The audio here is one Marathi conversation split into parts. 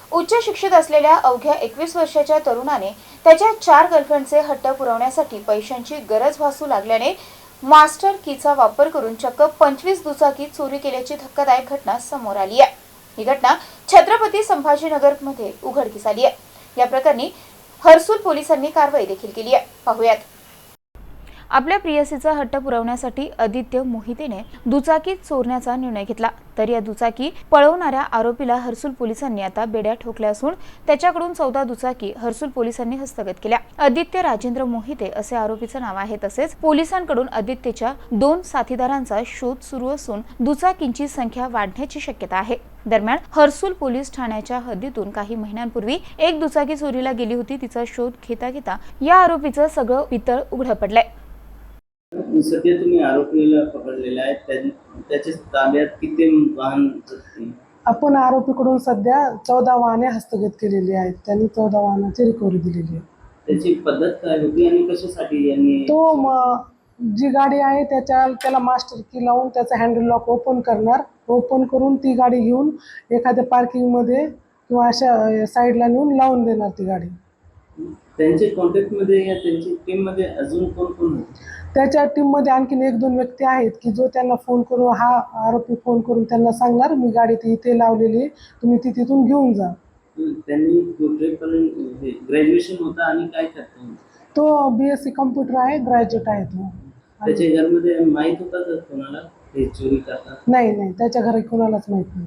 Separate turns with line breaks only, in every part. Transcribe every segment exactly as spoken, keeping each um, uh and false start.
उच्च शिक्षित असलेल्या अवघ्या एकवीस वर्षाच्या तरुणाने त्याच्या चार गर्लफ्रेंडचे हट्ट पुरवण्यासाठी पैशांची गरज भासू लागल्याने मास्टर कीचा वापर करून चक्क पंचवीस दुचाकी चोरी केल्याची धक्कादायक घटना समोर आली आहे। ही घटना छत्रपती संभाजीनगर मध्ये उघडकीस आली आहे। या प्रकरणी हर्सुल पोलिसांनी कारवाई देखील केली आहे। पाहूयात। आपल्या प्रियसीचा हट्ट पुरवण्यासाठी आदित्य मोहितेने दुचाकी चोरण्याचा निर्णय घेतला, तर या दुचाकी पळवणाऱ्या आरोपीला हर्सुल पोलिसांनी आता बेड्या ठोकल्या असून त्याच्याकडून चौदा दुचाकी हर्सुल पोलिसांनी हस्तगत केल्या। आदित्य राजेंद्र मोहिते असे आरोपीचे नाव आहे। तसेच पोलिसांकडून आदित्यच्या दोन साथीदारांचा शोध सुरू असून दुचाकींची संख्या वाढण्याची शक्यता आहे। दरम्यान हर्सुल पोलीस ठाण्याच्या हद्दीतून काही महिन्यांपूर्वी एक दुचाकी चोरीला गेली होती। तिचा शोध घेता घेता या आरोपीचं सगळं पितळ उघड पडलंय।
सध्या तुम्ही आरोपीला पकडलेला आहे, त्याच्या ताब्यात किती वाहन होते?
आपण आरोपीकडून सध्या चौदा वाहने हस्तगत केलेली आहेत। त्यांनी चौदा वाहनाची रिकव्हरी दिलेली आहे।
त्याची पद्धत काय होती आणि कशासाठी यांनी
तो जी गाडी आहे त्याच्या त्याला मास्टर की लावून त्याचा हँडल लॉक ओपन करणार, ओपन करून ती गाडी घेऊन एखाद्या पार्किंगमध्ये किंवा अशा साईडला नेऊन लावून देणार ती गाडी।
त्यांचे कॉन्टॅक्टमध्ये या त्यांची टीममध्ये अजून कोण कोण होते?
त्याच्या टीममध्ये आणखीन एक दोन व्यक्ती आहेत की जो त्यांना फोन करून हा आरोपी फोन करून त्यांना सांगणार मी गाडी इथे लावलेली, तुम्ही ती तिथून घेऊन जा।
त्यांनी कुठेपर्यंत ग्रॅज्युएशन होता आणि काय करतो?
तो बी एस सी कम्प्युटर आहे, ग्रॅज्युएट आहे तो।
त्याच्या घरामध्ये माहीत होता का कोणाला हे चोरी करतात?
नाही नाही, त्याच्या घरी कोणालाच माहित नाही।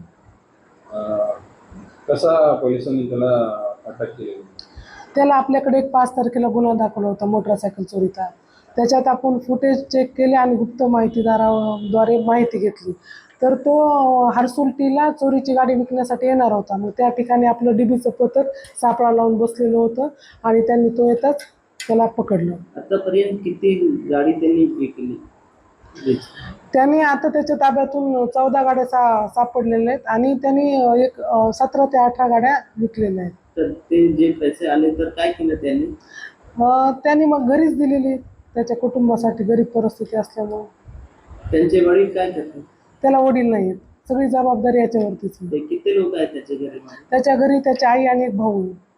कसा पोलिसांनी त्याला अटक केली?
त्याला आपल्याकडे एक पाच तारखेला गुन्हा दाखवला होता मोटरसायकल चोरीचा। त्याच्यात आपण फुटेज चेक केले आणि गुप्त माहितीदाराद्वारे माहिती घेतली, तर तो हर्सुलटीला चोरीची गाडी विकण्यासाठी येणार होता। मग त्या ठिकाणी आपलं डीबीचं पथक सापळा लावून बसलेलं होतं आणि त्यांनी तो येताच त्याला पकडलं।
आतापर्यंत किती गाडी त्यांनी विकली?
त्यांनी आता त्याच्या ताब्यातून चौदा गाड्या सा सापडलेल्या आहेत आणि त्यांनी एक सतरा ते अठरा गाड्या विकलेल्या आहेत।
तर ते जे पैसे आले तर काय केलं त्यांनी?
त्यांनी मग घरीच दिलेली त्याच्या कुटुंबासाठी, गरीब परिस्थिती असल्यामुळे।
त्यांचे वडील काय करतात?
त्याला वडील नाही आहेत, सगळी जबाबदारी याच्यावरतीच।
किती लोक आहेत त्याच्या घरी?
त्याच्या घरी त्याची आई आणि एक भाऊ आहे।